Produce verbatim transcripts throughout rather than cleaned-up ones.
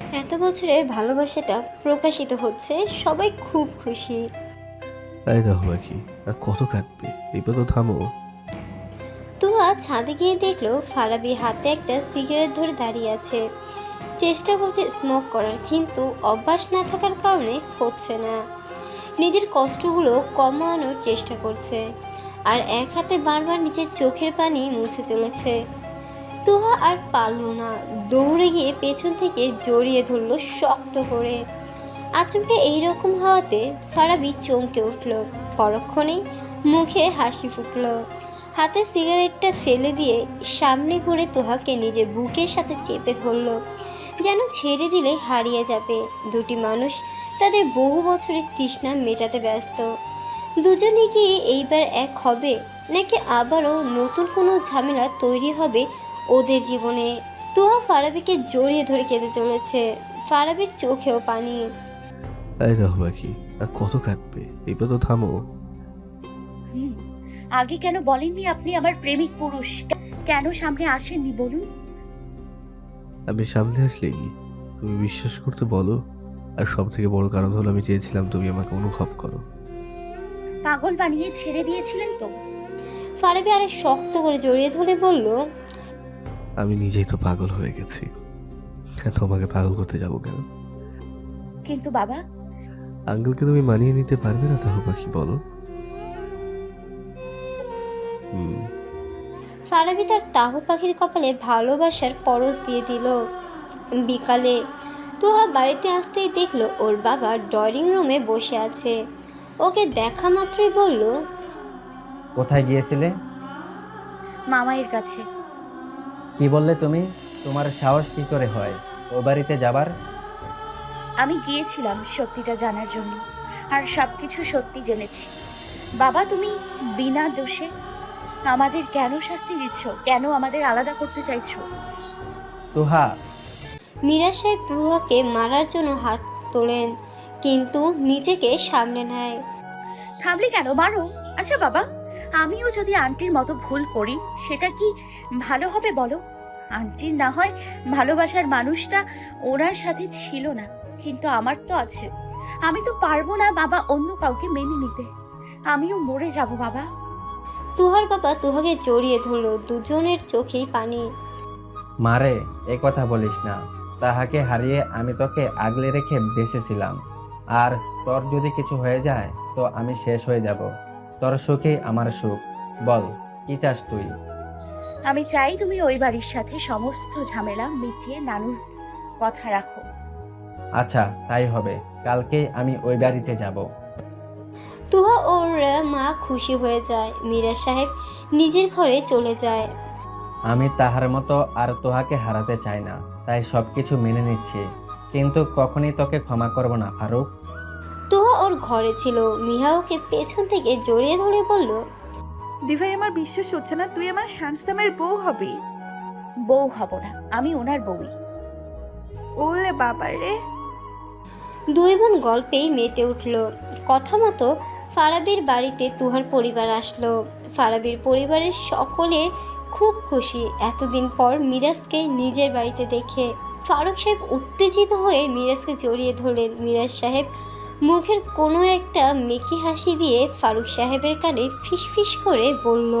এত বছরের ভালোবাসাটা প্রকাশিত হচ্ছে, সবাই খুব খুশি। তাই দেখো বাকি আর কত কাঁদবে, এইবার তো থামো। তুহা ছাদে গিয়ে দেখলো ফারাবি হাতে একটা সিগারেট ধরে দাঁড়িয়ে আছে। চেষ্টা করছে স্মোক করার, কিন্তু অভ্যাস না থাকার কারণে হচ্ছে না। নিজের কষ্টগুলো কমানোর চেষ্টা করছে, আর এক হাতে বারবার নিজের চোখের পানি মুছে চলেছে। তুহা আর পারল না, দৌড়ে গিয়ে পেছন থেকে জড়িয়ে ধরলো শক্ত করে। আচমকে এইরকম হওয়াতে ফারাবি চমকে উঠল। পরক্ষণেই মুখে হাসি ফুটল। হাতে সিগারেটটা ফেলে দিয়ে সামনে ঘুরে তুহাকে নিজের বুকের সাথে চেপে ধরল, যেন ছেড়ে দিলে হারিয়ে যাবে। দুটি মানুষ তাদের বহু বছরের তৃষ্ণা মেটাতে ব্যস্ত। দুজনে গিয়ে এইবার এক হবে, নাকি আবারও নতুন কোনো ঝামেলা তৈরি হবে ওদের জীবনে। তুহা ফারাবিকে জড়িয়ে ধরে কেঁদে চলেছে, ফারাবির চোখেও পানি। তাই দেখো বাকি আর কত কাঁদবে, এইবার তো থামো। হুম, আগে কেন বলেননি আপনি আমার প্রেমিক পুরুষ? কে- কেন সামনে আসেননি বলুন? আমি সামনে আসলেই তুমি বিশ্বাস করতে বলো। আর সব থেকে বড় কারণ হলো আমি চেয়েছিলাম তুমি আমাকে অনুভব করো। পাগল বানিয়ে ছেড়ে দিয়েছিলেন তো? ফারাবি আরে শক্ত করে জড়িয়ে ধরে বলল, আমি নিজেই তো পাগল হয়ে গেছি, তোমাকে পাগল করতে যাবো কেন? কিন্তু বাবা, আঙ্কেলকে তুমি মানিয়ে নিতে পারবে না তাহলে পাখি বলো। হুম। ফারাবি তার তাহু পাখির কপালে ভালোবাসার পরশ দিয়ে দিল। বিকালে তুহা বাড়িতে আসতেই দেখলো ওর বাবা ড্রয়িং রুমে বসে আছে। ওকে দেখা মাত্রই বলল, কোথায় গিয়েছিলে? মামায়ের কাছে। কি বললে তুমি? তোমার সাহস কি করে হয় ও বাড়িতে যাবার? আমি গিয়েছিলাম সত্যিটা জানার জন্য, আর সবকিছু সত্যি জেনেছি। বাবা, তুমি বিনা দোষে আমাদের কেন শাস্তি দিচ্ছ? কেন আমাদের আলাদা করতে চাইছো? তুহা, মীরা সাহেব তুহাকে মারার জন্য হাত তোলেন, কিন্তু নিজেকে সামলে নেয়। থামলে কেন? মারো। আচ্ছা বাবা, আমিও যদি আন্টির মতো ভুল করি, সেটা কি ভালো হবে বলো? আন্টির না হয় ভালোবাসার মানুষটা ওনার সাথে ছিল না, কিন্তু আমার তো আছে। আমি তো পারবো না বাবা অন্য কাউকে মেনে নিতে। আমিও মরে যাব বাবা। তুহার বাবা তুহাকে জড়িয়ে ধরলো, দুজনের চোখেই পানি। মারে এ কথা বলিস না। তাহাকে হারিয়ে আমি তোকে আগলে রেখে বেঁচেছিলাম, আর তোর যদি কিছু হয়ে যায় তো আমি শেষ হয়ে যাব। তোর সুখেই আমার সুখ। বল, কি চাস তুই? আমি চাই তুমি ওই বাড়ির সাথে সমস্ত ঝামেলা মিটিয়ে নানুর কথা রাখো। আচ্ছা, তাই হবে। কালকেই আমি ওই বাড়িতে যাব। তুহা ওর মা খুশি হয়ে যায়। মীরা সাহেব নিজের ঘরে চলে যায়। আমি তাহার মতো আর তোহাকে হারাতে চাই না, তাই সবকিছু মেনে নিচ্ছি, কিন্তু কখনই তোকে ক্ষমা করব না ফারুক। তুহা ওর ঘরে ছিল। মিহা ওকে পেছন থেকে জড়িয়ে ধরে বলল, দিভাই, আমার বিশ্বাস হচ্ছে না তুই আমার হ্যান্ডসামের বউ হবি। বউ হব না, আমি ওনার বউই। ওলে বাবা রে। দুই বোন গল্পেই মেতে উঠল। কথা মতো ফারাবির বাড়িতে তুহার পরিবার আসলো। ফারাবির পরিবারের সকলে খুব খুশি এতদিন পর মিরাজকে নিজের বাড়িতে দেখে। ফারুক সাহেব উত্তেজিত হয়ে মিরাজকে জড়িয়ে ধরলেন। মিরাজ সাহেব মুখের কোনো একটা মেকি হাসি দিয়ে ফারুক সাহেবের কানে ফিসফিস করে বলল,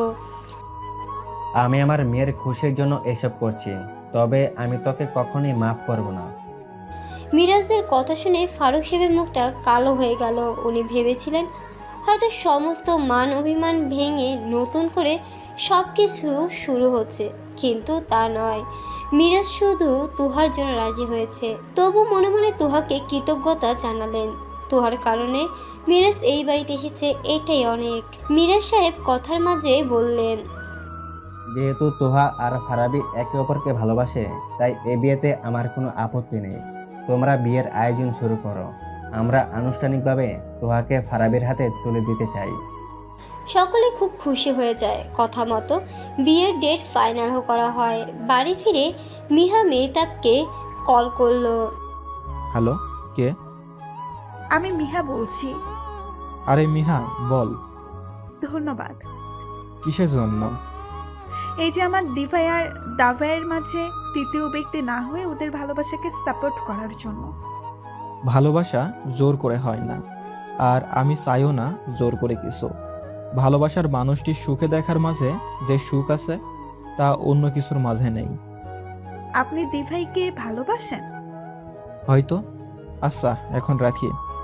আমি আমার মেয়ের খুশির জন্য এসব করছি, তবে আমি তোকে কখনোই মাফ করব না। মিরাজদের কথা শুনে ফারুক সাহেবের মুখটা কালো হয়ে গেল। উনি ভেবেছিলেন হয়তো সমস্ত মান অভিমান ভেঙে নতুন করে সব কিছু শুরু হচ্ছে, কিন্তু তা নয়। মিরাজ শুধু তুহার জন্য রাজি হয়েছে। তবু মনে মনে তুহাকে কৃতজ্ঞতা জানালেন। তুহার কারণে মিরাজ এই বাড়িতে এসেছে, এটাই অনেক। মিরাজ সাহেব কথার মাঝে বললেন, যেহেতু তোহা আর ফারাবি একে অপরকে ভালোবাসে, তাই এ বিয়েতে আমার কোনো আপত্তি নেই। তোমরা বিয়ের আয়োজন শুরু করো। আমরা আনুষ্ঠানিকভাবে তোহাকে ফারাবির হাতে তুলে দিতে চাই। সকলে খুব খুশি হয়ে যায়। কথা মতো বিয়ের ডেট ফাইনাল করা হয়। বাড়ি ফিরে মিহা মেহতাবকে কল করলো। হ্যালো, কে? আমি মিহা বলছি। আরে মিহা, বল। ধন্যবাদ। কিসের জন্য? এই যে আমার দিভাই আর দাভাইয়ের মাঝে তৃতীয় ব্যক্তি না হয়ে ওদের ভালোবাসাকে সাপোর্ট করার জন্য। ভালোবাসা জোর করে হয় না, আর আমি চাইও না জোর করে কিছু। ভালোবাসার মানুষটি সুখে দেখার মাঝে যে সুখ আছে তা অন্য কিছুর মাঝে নেই। আপনি দিভাইকে ভালোবাসেন? হয়তো। আচ্ছা, এখন রাখি।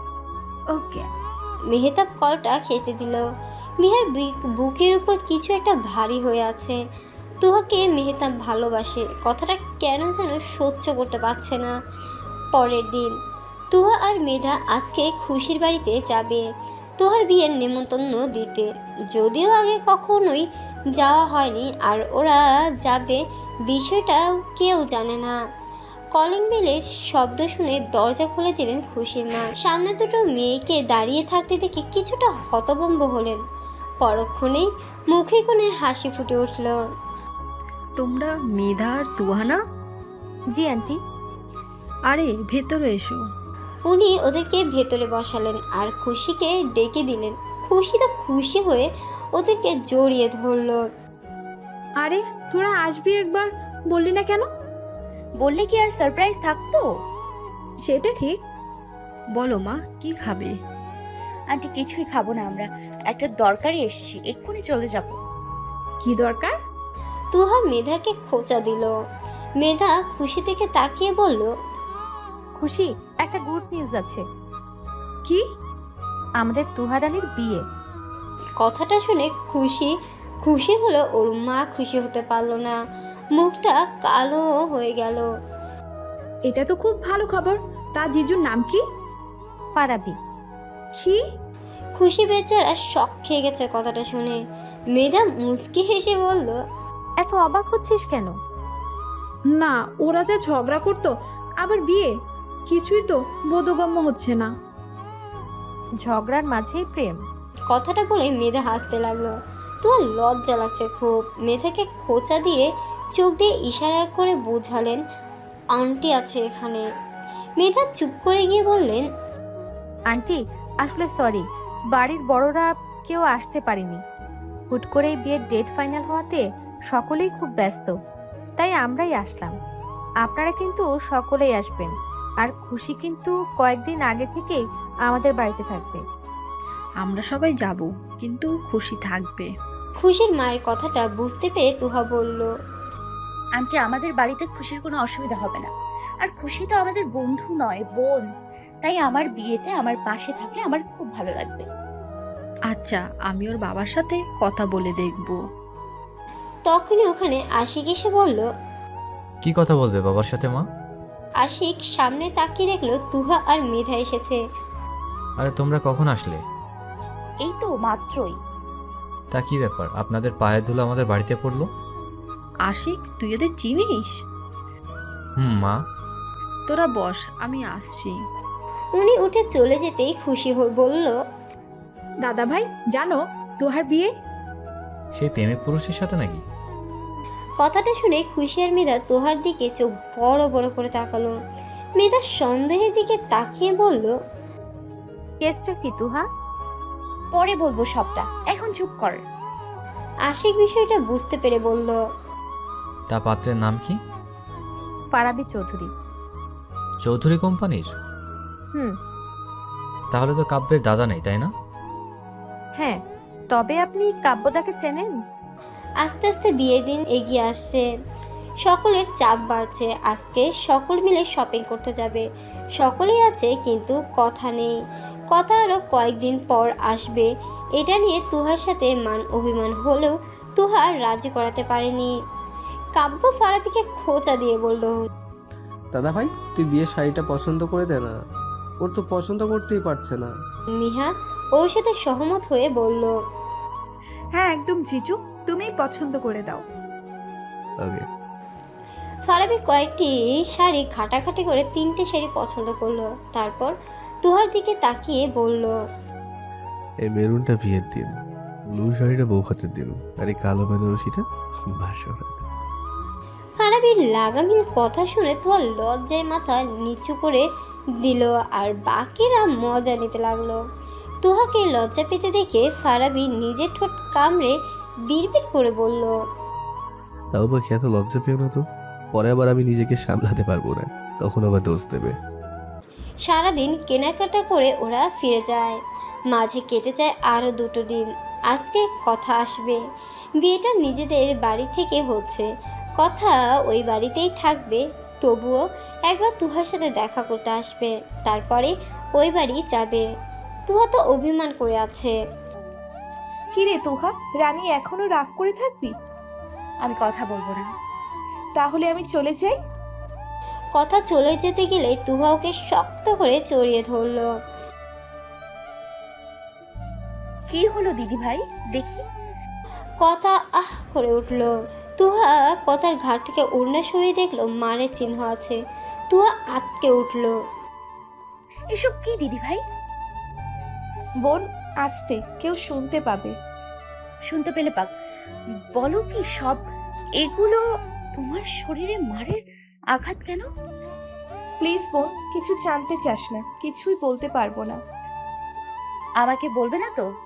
ওকে। মেহতাব কলটা খেতে দিল। মিহার বি- বুকের উপর কিছু একটা ভারী হয়ে আছে। তুহাকে মেহতাব ভালোবাসে, কথাটা কেন যেন সহ্য করতে পারছে না। পরের দিন তুহা আর মেধা আজকে খুশির বাড়িতে যাবে তুহার বিয়ের নেমন্তন্ন দিতে। যদিও আগে কখনোই যাওয়া হয়নি, আর ওরা যাবে বিষয়টা কেউ জানে না। কলিং বেলের শব্দ শুনে দরজা খুলে দিলেন খুশির মা। সামনে দুটো মেয়েকে দাঁড়িয়ে থাকতে দেখে কিছুটা হতভম্ব হলেন। পরক্ষণেই মুখে কোণে হাসি ফুটে উঠল। তোমরা মেধা আর তুহানা? জি আন্টি। আরে ভেতরে এসো। উনি ওদেরকে ভেতরে বসালেন আর খুশিকে ডেকে দিলেন। খুশি তো খুশি হয়ে ওদেরকে জড়িয়ে ধরল। আরে তোরা আসবি একবার, বললি না কেন? বললে কি আর সারপ্রাইজ থাকতো? সেটা ঠিক। বলো মা, কি খাবে? আন্টি কিছুই খাবো না, আমরা একটা দরকারে এসেছি, এক্ষুনি চলে যাব। কি দরকার? তুহা মেধাকে খোঁচা দিল। মেধা খুশি থেকে তাকিয়ে বলল, খুশি, একটা গুড নিউজ আছে। কি? আমাদের তুহারানির বিয়ে। কথাটা শুনে খুশি খুশি হলো, ওর মা খুশি হতে পারলো না, মুখটা কালো হয়ে গেল। এটা তো খুব ভালো খবর। তা জিজুর নাম কি? পারাবি। কি? খুশি বেচারা শক খেয়ে গেছে কথাটা শুনে। মেধা মুচকি হেসে বলল, এত অবাক হচ্ছিস কেন? না, ওরা যা ঝগড়া করতো, আবার বিয়ে, কিছুই তো বোধগম্য হচ্ছে না। ঝগড়ার মাঝেই প্রেম। কথাটা বলে মেধা হাসতে লাগলো। তোমার লজ্জা লাগছে খুব। মেধাকে খোঁচা দিয়ে চোখ দিয়ে ইশারা করে বোঝালেন আন্টি আছে এখানে। মেধা চুপ করে গিয়ে বললেন, আন্টি আসলে সরি, বাড়ির বড়রা কেউ আসতে পারেনি। হুট করে বিয়ের ডেট ফাইনাল হওয়াতে সকলেই খুব ব্যস্ত, তাই আমরাই আসলাম। আপনারা কিন্তু সকলেই আসবেন, আর খুশি কিন্তু কয়েকদিন আগে থেকেই আমাদের বাড়িতে থাকবে। আমরা সবাই যাব, কিন্তু খুশি থাকবে। খুশির মায়ের কথাটা বুঝতে পেরে তুহা বলল, আন্টি আমাদের বাড়িতে খুশির কোনো অসুবিধা হবে না, আর খুশি তো আমাদের বন্ধু নয়, বোন। তাই আমার বিয়েতে আমার পাশে থাকলে আমার খুব ভালো লাগবে। আচ্ছা, আমি ওর বাবার সাথে কথা বলে দেখব। তখনই ওখানে আশিক এসে বলল। কি কথা বলবে বাবার সাথে মা? আশিক সামনে তাকিয়ে দেখলো তুহা আর মেধা এসেছে। আরে তোমরা কখন আসলে? এই তো মাত্রই। তা কি ব্যাপার, আপনাদের পায়ের ধুলো আমাদের বাড়িতে পড়লো? আশিক, তুই ওদের চিনিস? হুম মা। তোরা বস, আমি আসছি। উনি উঠে চলে যেতেই খুশি হয়ে বলল, দাদা ভাই, জানো তোহার বিয়ে? সেই প্রেমিক পুরুষের সাথে নাকি? কথাটা শুনে খুশি আর মেধা তোহার দিকে চোখ বড় বড় করে তাকালো। মেধা সন্দেহের দিকে তাকিয়ে বলল, কেসটা কি তুহা? পরে বলবো সবটা, এখন চুপ কর। আশিক বিষয়টা বুঝতে পেরে বলল, তা পাত্রের নাম কি? পারাবি চৌধুরী। চৌধুরী কোম্পানির? হুম। তাহলে তো কাব্যের দাদা নেই, তাই না? হ্যাঁ, তবে আপনি কাব্যদাকে চেনেন? আস্তে আস্তে বিয়ের দিন এগিয়ে আসছে, সকলের চাপ বাড়ছে। আজকে সকল মিলে শপিং করতে যাবে, সকলেই আছে কিন্তু কথা নেই। কথা আরও কয়েকদিন পর আসবে, এটা নিয়ে তুহার সাথে মান অভিমান হলেও তুহা রাজি করাতে পারেনি। কাব্য ফারাবিকে খোঁচা দিয়ে বলল, দাদা ভাই, তুই বিয়ের শাড়িটা পছন্দ করে দে না, ওর তো পছন্দ করতেই পারছে না। মিহা ওর সাথে সহমত হয়ে বলল, হ্যাঁ একদম জিজু, তুমিই পছন্দ করে দাও। ওকে। ফারাবি কয়েকটি শাড়ি ঘাটাঘাটি করে তিনটে শাড়ি পছন্দ করলো। তারপর তুহার দিকে তাকিয়ে বলল, এই মেরুনটা বিয়ের দিন, ব্লু শাড়িটা বউ হাতের দিন, আর এই কালো বেনারসিটা বাসর রাতে। ফারাবির লাগামহীন কথা শুনে তুহার লজ্জায় মাথা নিচু করে দিল, আর বাকিরা মজা নিতে লাগলো। তুহাকে লজ্জা পেতে দেখে ফারাবি নিজের ঠোঁট কামড়ে বিড়বিড় করে বলল, তাও পাখি এত লজ্জা পেও না তো, পরে আবার আমি নিজেকে সামলাতে পারবো না, তখন আবার দোষ দেবে। সারাদিন কেনাকাটা করে ওরা ফিরে যায়। মাঝে কেটে যায় আরও দুটো দিন। আজকে কথা আসবে। বিয়েটা নিজেদের বাড়ি থেকে হচ্ছে, কথা ওই বাড়িতেই থাকবে। তবুও একবার তুহার সাথে দেখা করতে আসবে, তারপরে ওই বাড়ি যাবে। তুহা তো অভিমান করে আছে। কিরে তোহা, রানী এখনো রাগ করে থাকবি? আমি কথা বলবো না। তাহলে আমি চলে যাই? কথা চলে যেতে গেলে তুহা ওকে শক্ত করে জড়িয়ে ধরল। কি হলো দিদি ভাই, দেখি। কথা আহ করে উঠল। তুহা কথার ঘাট থেকে ওড়না সরিয়ে দেখলো মারের চিহ্ন আছে। তুহা আটকে উঠল। এসব কি দিদি ভাই? বোন, আস্তে, কেউ শুনতে পাবে। শুনতে পেলে পাক। বলো কি সব এগুলো? তোমার শরীরে মারের আঘাত কেন? প্লিজ বোন, কিছু জানতে চাস না, কিছুই বলতে পারবো না। আমাকে বলবে না তো?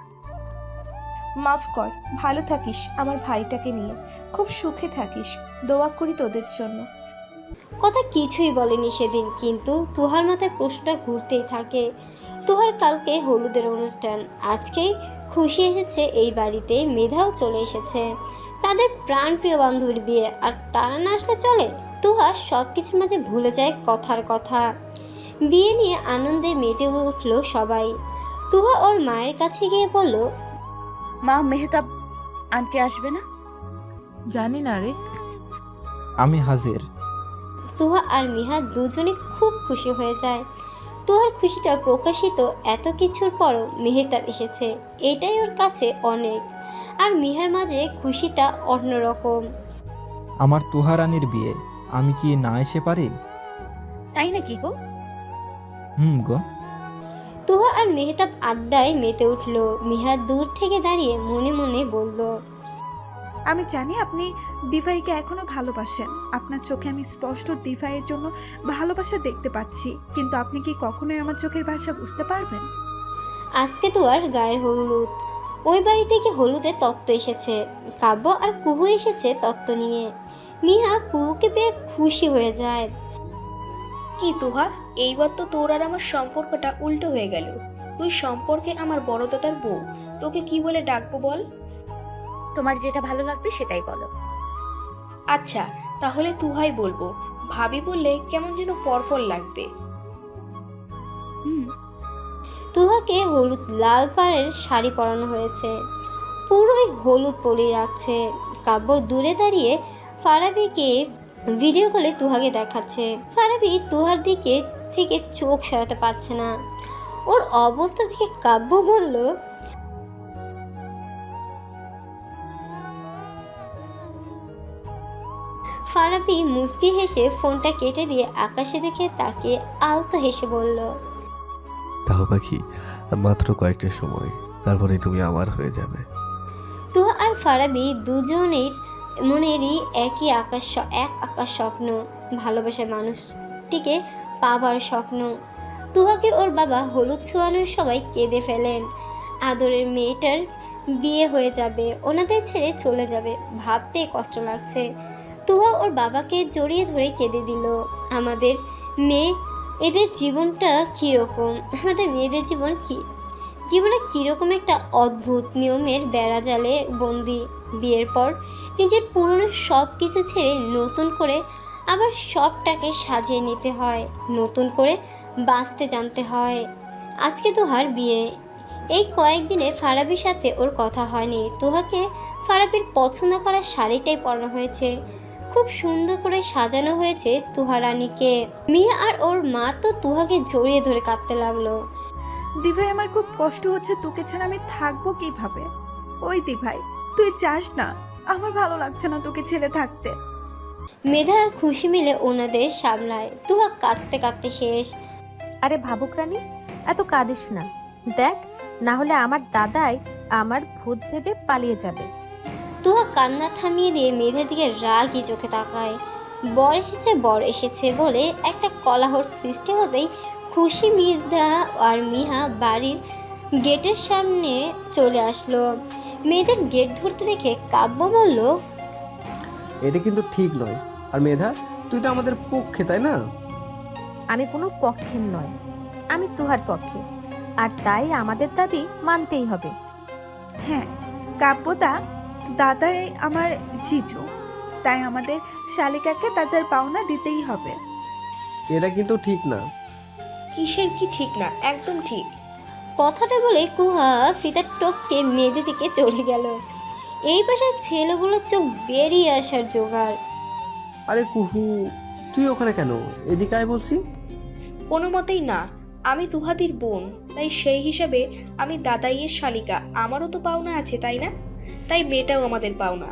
মাফ কর। ভালো থাকিস আমার ভাইটাকে নিয়ে, খুব সুখে থাকিস। দোয়া করি তোদের জন্য। কথা কিছুই বলেনি সেদিন, কিন্তু তুহার মাথায় প্রশ্নটা ঘুরতেই থাকে। তুহার কালকে হলুদের অনুষ্ঠান, আজকে খুশি এসেছে এই বাড়িতে, মেধাও চলে এসেছে। তাদের প্রাণপ্রিয় বান্ধবীর বিয়ে, আর তারা না আসলে চলে? তুহা সব কিছুর মাঝে ভুলে যায় কথার কথা। বিয়ে নিয়ে আনন্দে মেতে উঠল সবাই। তুহা ওর মায়ের কাছে গিয়ে বলল, মা, মেহতাব আন্টি আসবে না? জানি না রে। আমি হাজির। তুহা আর মিহা দুজনে খুব খুশি হয়ে যায়। তুহার খুশিটা প্রকাশিত এত কিছুর পরও মেহতাব এসেছে, এটাই ওর কাছে অনেক। আর মিহার মাঝে খুশিটা অন্যরকম। আমার তুহা রানীর বিয়ে, আমি কি না এসে পারি? তাই নাকি গো? হুম গো। তুহা আর মেহতাব আড্ডায় মেতে উঠল। মিহা দূর থেকে দাঁড়িয়ে মনে মনে বলল, আমি জানি আপনি দিভাইকে এখনো ভালোবাসেন। আপনার চোখে আমি স্পষ্ট দিভাইয়ের জন্য ভালোবাসা দেখতে পাচ্ছি, কিন্তু আপনি কি কখনোই আমার চোখের ভাষা বুঝতে পারবেন? আজকে তুহার গায়ের হলুদ। ওই বাড়ি থেকে হলুদের তত্ত্ব এসেছে। কাব্য আর কুহু এসেছে তত্ত্ব নিয়ে। মিহা কুহুকে পেয়ে খুশি হয়ে যায়। কি তুহা, এইবার তো তোর আর আমার সম্পর্কটা উল্টো হয়ে গেল। তুই সম্পর্কে আমার বড় দাদার বউ, তোকে কি বলে ডাকবো বল? তোমার যেটা ভালো লাগবে সেটাই বলো। আচ্ছা, তাহলে তুহাই বলবো। ভাবি বললে কেমন যেন পরপর লাগবে। হুম। তুহাকে হলুদ লাল পাড়ের শাড়ি পরানো হয়েছে, পুরোই হলুদ পরিয়ে রাখছে। কাব্য দূরে দাঁড়িয়ে ফারাবিকে ভিডিও কলে তুহাকে দেখাচ্ছে। ফারাবি তুহার দিকে থেকে চোখ সরাতে পারছে না। ওর অবস্থা থেকে কাব্য বলল, ফারাবি মুচকি হেসে ফোনটা কেটে দিয়ে আকাশে দেখে তাকে আলতো হেসে বলল, তাও পাখি, আর মাত্র কয়েকটা সময়, তারপরে তুমি আমার হয়ে যাবে। তুহা আর ফারাবি দুজনের মনেরই একই আকাশ, এক আকাশ স্বপ্ন, ভালোবাসার মানুষটিকে পাবার স্বপ্ন। তুহাকে ওর বাবা হলুদ ছোঁয়ানোর সবাই কেঁদে ফেলেন। আদরের মেয়েটার বিয়ে হয়ে যাবে, ওনাদের ছেড়ে চলে যাবে, ভাবতে কষ্ট লাগছে। তুহা ওর বাবাকে জড়িয়ে ধরে কেঁদে দিল। আমাদের মেয়ে এদের জীবনটা কীরকম, আমাদের মেয়েদের জীবন কি, জীবনে কীরকম একটা অদ্ভুত নিয়মের বেড়াজালে বন্দি। বিয়ের পর নিজের পুরনো সব কিছু ছেড়ে নতুন করে আবার সবটাকে সাজিয়ে নিতে হয়, নতুন করে বাঁচতে জানতে হয়। আজকে তুহার বিয়ে। এই কয়েকদিনে ফারাবির সাথে ওর কথা হয়নি। তুহাকে ফারাবির পছন্দ করা শাড়িটাই পরানো হয়েছে, খুব সুন্দর করে সাজানো হয়েছে তুহা রানীকে। মিয়া আর ওর মা তো তুহাকে জড়িয়ে ধরে কাঁদতে লাগলো। দিভাই, আমার খুব কষ্ট হচ্ছে, তোকে ছাড়া আমি থাকবো কিভাবে? ওই দিভাই, তুই চাস না, আমার ভালো লাগছে না তোকে ছেড়ে থাকতে। মেধা আর খুশি মিলে ওনাদের সামলায়। তুহা কাঁদতে কাঁদতে শেষ। আরে ভাবুক রানী, এত কাঁদিস না। দেখ, না হলে আমার দাদাই আমার ভূত ভেবে পালিয়ে যাবে। তুহা কান্না থামিয়ে দিয়ে মেধার দিকে রাগই চোখে তাকায়। বর এসেছে বর এসেছে বলে একটা কলাহর সৃষ্টি হতেই খুশি মেধা আর মিহা বাড়ির গেটের সামনে চলে আসলো। মেয়েদের গেট ধরতে দেখে কাব্য বলল, এটা কিন্তু ঠিক নয়। আর মেধা, তুই তো আমাদের পক্ষে, তাই না? আমি কোনো পক্ষের নয়, আমি তুহার পক্ষে, আর তাই আমাদের দাবি মানতেই হবে। হ্যাঁ, কাব্যদা দাদাই আমার জিজু, তাই আমাদের শালিকাকে তাদের পাওনা দিতেই হবে। এটা কিন্তু ঠিক না। কিসের কি ঠিক না? একদম ঠিক। কথাটা বলে কুহা ফিতার টপকে মেয়েদের দিকে চলে গেল। এই পাশে ছেলেগুলোর চোখ বেরিয়ে আসার জোগাড়। আরে কুহু, তুই ওখানে কেন? এদিকে আয় বলছি। কোনো মতেই না, আমি তুহাদির বোন, তাই সেই হিসাবে আমি দাদাইয়ের শালিকা, আমারও তো পাওনা আছে, তাই না? তাই মেয়েটাও আমাদের পাওনা।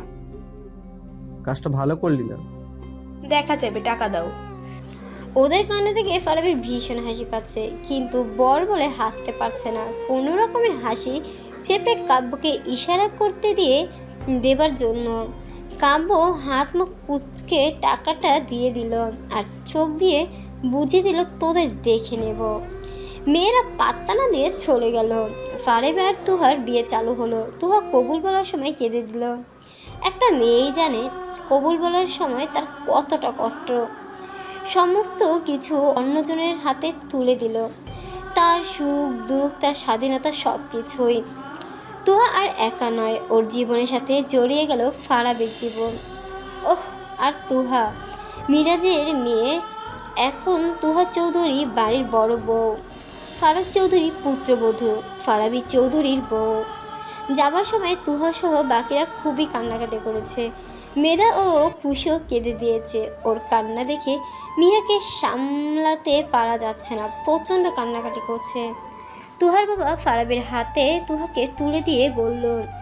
কাজটা ভালো করলি না। দেখা যাবে, টাকা দাও। ওদের কানে থেকে ফারাবির ভীষণ হাসি পাচ্ছে, কিন্তু বর বলে হাসতে পারছে না। কোনো রকমের হাসি চেপে কাব্যকে ইশারা করতে দিয়ে দেবার জন্য কাব্য হাত মুখ কুচকে টাকাটা দিয়ে দিল আর চোখ দিয়ে বুঝিয়ে দিল, তোদের দেখে নেব। মেয়েরা পাত্তা না দিয়ে চলে গেল। ফারাবি আর তুহার বিয়ে চালু হলো। তুহা কবুল বলার সময় কেঁদে দিল। একটা মেয়েই জানে কবুল বলার সময় তার কতটা কষ্ট। সমস্ত কিছু অন্যজনের হাতে তুলে দিল, তার সুখ দুঃখ, তার স্বাধীনতা, সব কিছুই। তুহা আর একা নয়, ওর জীবনের সাথে জড়িয়ে গেল ফারাবির জীবন। ওহ, আর তুহা মিরাজের মেয়ে, এখন তুহা চৌধুরী বাড়ির বড় বউ, ফারুক চৌধুরী পুত্রবধূ, ফারাবি চৌধুরীর বউ। যাবার সময় তুহা সহ বাকিরা খুবই কান্নাকাটি করেছে। মেধা ও খুশিও কেঁদে দিয়েছে। ওর কান্না দেখে মিহাকে সামলাতে পারা যাচ্ছে না, প্রচণ্ড কান্নাকাটি করছে। তুহার বাবা ফারাবির হাতে তুহাকে তুলে দিয়ে বলল,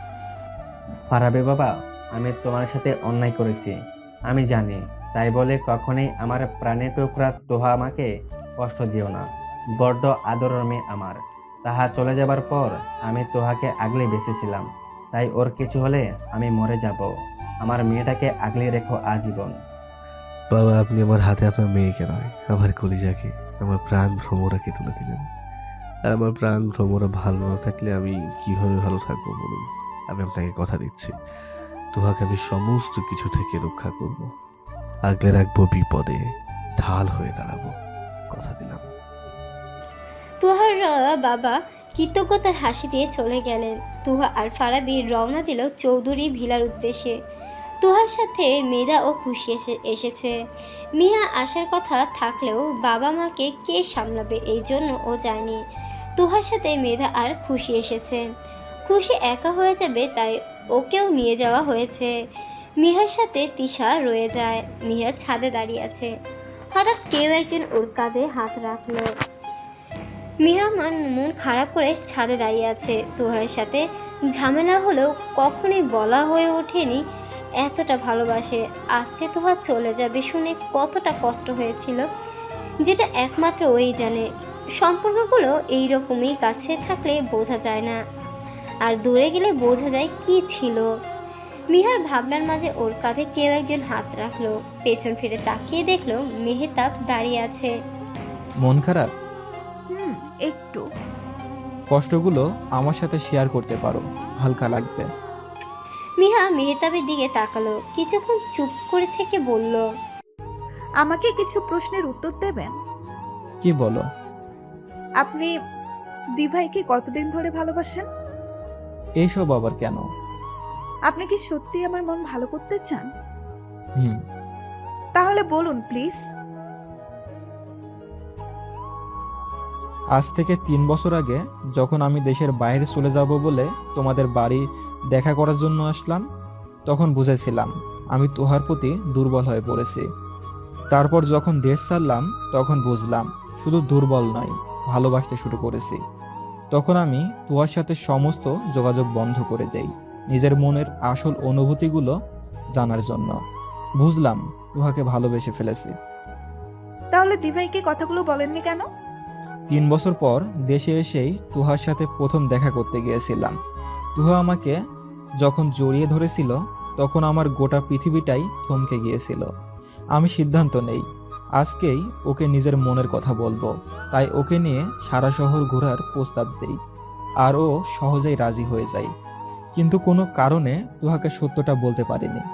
ফারাবি বাবা, আমি তোমার সাথে অন্যায় করেছি, আমি জানি। তাই বলে কখনোই আমার প্রাণের টুকরা তোহা আমাকে কষ্ট দিও না। বড্ড আদরের মেয়ে আমার। তাহা চলে যাবার পর আমি তোহাকে আগলে বেঁচেছিলাম, তাই ওর কিছু হলে আমি মরে যাব। আমার মেয়েটাকে আগলে রেখো আজীবন। বাবা, আপনি আমার হাতে আপনার মেয়েকে নয়, আমার কলিজাকে, আমার প্রাণ ভ্রমরাকে তুলে দিলেন। আর আমার প্রাণ ভ্রমরা ভালো না থাকলে আমি কিভাবে ভালো থাকবো বলুন? আমি আপনাকে কথা দিচ্ছি, তোহাকে আমি সমস্ত কিছু থেকে রক্ষা করব, আগলে রাখবো, বিপদে ঢাল হয়ে দাঁড়াবো, কথা দিলাম। তুহার বাবা কৃতজ্ঞতার হাসি দিয়ে চলে গেলেন। তুহা আর ফারাবি রওনা দিল চৌধুরী ভিলার উদ্দেশ্যে। তুহার সাথে মেধা ও খুশি এসে এসেছে। মিয়া আসার কথা থাকলেও বাবা মাকে কে সামলাবে, এই জন্য ও যায়নি। তুহার সাথে মেধা আর খুশি এসেছে। খুশি একা হয়ে যাবে, তাই ওকেও নিয়ে যাওয়া হয়েছে। মিহার সাথে তিশা রয়ে যায়। মিহা ছাদে দাঁড়িয়ে আছে। হঠাৎ কেউ একজন ওর কাঁধে হাত রাখলো। মিহা মান মন খারাপ করে ছাদে দাঁড়িয়ে আছে। তুহার সাথে ঝামেলা হলেও কখনোই বলা হয়ে ওঠেনি এতটা ভালোবাসে। আজকে তুহা চলে যাবে শুনে কতটা কষ্ট হয়েছিল, যেটা একমাত্র ওই জানে। সম্পর্কগুলো এইরকমই কাছে থাকলে বোঝা যায় না, আর দূরে গেলে বোঝা যায় কি ছিল। মিহার ভাবনার মাঝে ওর কাঁধে কেউ একজন হাত রাখলো। পেছন ফিরে তাকিয়ে দেখলো মেহতাব দাঁড়িয়ে আছে। মন খারাপ? হুম, একটু। কষ্টগুলো আমার সাথে শেয়ার করতে পারো, হালকা লাগবে। মিহা মেহতাবের দিকে তাকালো, কিছুক্ষণ চুপ করে থেকে বলল, আমাকে কিছু প্রশ্নের উত্তর দেবেন? কি বলো? আপনি দিভাইকে কতদিন ধরে ভালোবাসেন? এইসব আবার কেন? আপনি কি সত্যি আমার মন ভালো করতে চান? হুম। তাহলে বলুন প্লিজ। আজ থেকে তিন বছর আগে যখন আমি দেশের বাইরে চলে যাব বলে তোমাদের বাড়ি দেখা করার জন্য আসলাম, তখন বুঝেছিলাম আমি তোহার প্রতি দুর্বল হয়ে পড়েছি। তারপর যখন দেশ ছাড়লাম তখন বুঝলাম শুধু দুর্বল নয়, ভালোবাসতে শুরু করেছি। তখন আমি তোহার সাথে সমস্ত যোগাযোগ বন্ধ করে দেই, নিজের মনের আসল অনুভূতিগুলো জানার জন্য। বুঝলাম তোহাকে ভালোবেসে ফেলেছি। তাহলে দিভাইকে কথাগুলো বলেননি কেন? তিন বছর পর দেশে এসেই তুহার সাথে প্রথম দেখা করতে গিয়েছিলাম। তুহা আমাকে যখন জড়িয়ে ধরেছিল তখন আমার গোটা পৃথিবীটাই থমকে গিয়েছিল। আমি সিদ্ধান্ত নেই আজকেই ওকে নিজের মনের কথা বলবো, তাই ওকে নিয়ে সারা শহর ঘোরার প্রস্তাব দেই, আর ও সহজেই রাজি হয়ে যায়। কিন্তু কোনো কারণে তুহাকে সত্যটা বলতে পারিনি।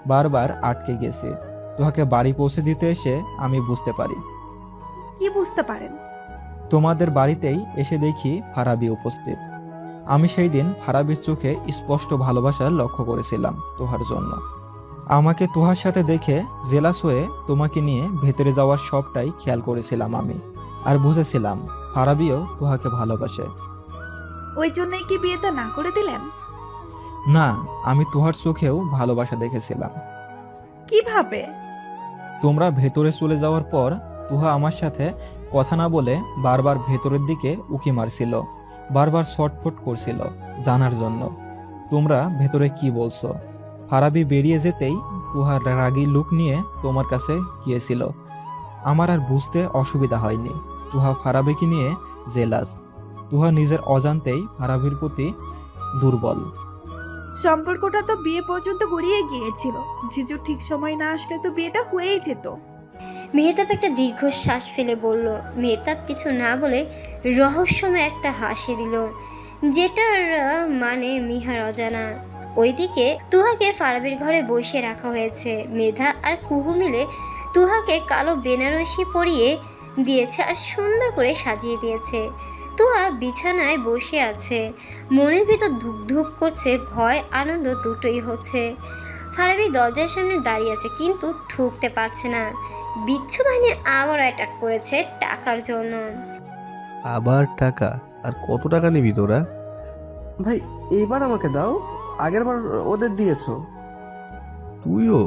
বারবার আটকে গেছি। তোহাকে বাড়ি পৌঁছে দিতে এসে আমি বুঝতে পারি। কি বুঝতে পারেন? তোমাদের বাড়িতেই এসে দেখি ফারাবি উপস্থিত। আমি সেই দিন ফারাবির চোখে স্পষ্ট ভালোবাসা লক্ষ্য করেছিলাম তোহার জন্য। আমাকে তোহার সাথে দেখে জেলাস হয়ে তোমাকে নিয়ে ভেতরে যাওয়ার সবটাই খেয়াল করেছিলাম আমি, আর বুঝেছিলাম ফারাবিও তোহাকে ভালোবাসে। ওই জন্যই কি বিয়েটা না করে দিলেন? না, আমি তোহার চোখেও ভালোবাসা দেখেছিলাম। কিভাবে? তোমরা ভেতরে চলে যাওয়ার পর তুহা আমার সাথে কথা না বলে বারবার ভেতরের দিকে উকি মারছিল, বারবার ছটফট করছিল জানার জন্য তোমরা ভেতরে কি বলছো। ফারাবি বেরিয়ে যেতেই তুহার রাগী লুক নিয়ে তোমার কাছে গিয়েছিল। আমার আর বুঝতে অসুবিধা হয়নি তুহা ফারাবিকে নিয়ে জেলাস। তুহা নিজের অজান্তেই ফারাবির প্রতি দুর্বল। সম্পর্কটা তো বিয়ে পর্যন্ত গড়িয়ে গিয়েছিল। জিজু ঠিক সময় না আসলে তো বিয়েটা হয়েই যেত। মেহতাব একটা দীর্ঘশ্বাস ফেলে বলল। মেহতাব কিছু না বলে রহস্যময় একটা হাসি দিল, যেটার আহ, মানে মিহার অজানা। ওইদিকে তুহাকে ফারাবির ঘরে বসিয়ে রাখা হয়েছে। মেধা আর কুহু মিলে তুহাকে কালো বেনারসি পরিয়ে দিয়েছে আর সুন্দর করে সাজিয়ে দিয়েছে। তুহা বিছানায় বসে আছে, মনের ভিতর ধুক ধুক করছে, ভয় আনন্দ দুটোই হচ্ছে। ফারাবি দরজার সামনে দাঁড়িয়ে আছে কিন্তু ঠুকতে পারছে না। বিচ্ছু বাহিনী আবার অ্যাটাক করেছে টাকার জন্য। আবার টাকা? আর কত টাকা নিবি তোরা? ভাই এইবার আমাকে দাও, আগের বার ওদের দিয়েছো। তুইও?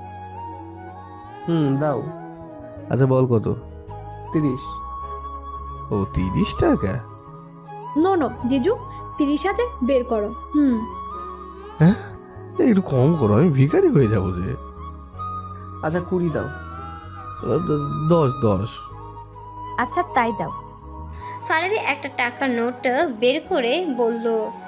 হুম দাও। আচ্ছা বল কত? তিরিশ। ও তিরিশ টাকা? নো নো জিজু, তিরিশ হাজার বের করো। হুম হ্যাঁ, এই একটু কম করো, আমি ভিখারি হয়ে যাবো যে। আচ্ছা কুড়ি দাও। আহ, দ- দশ দশ। আচ্ছা তাই দাও। ফারাবি একটা টাকার নোট বের করে বলল,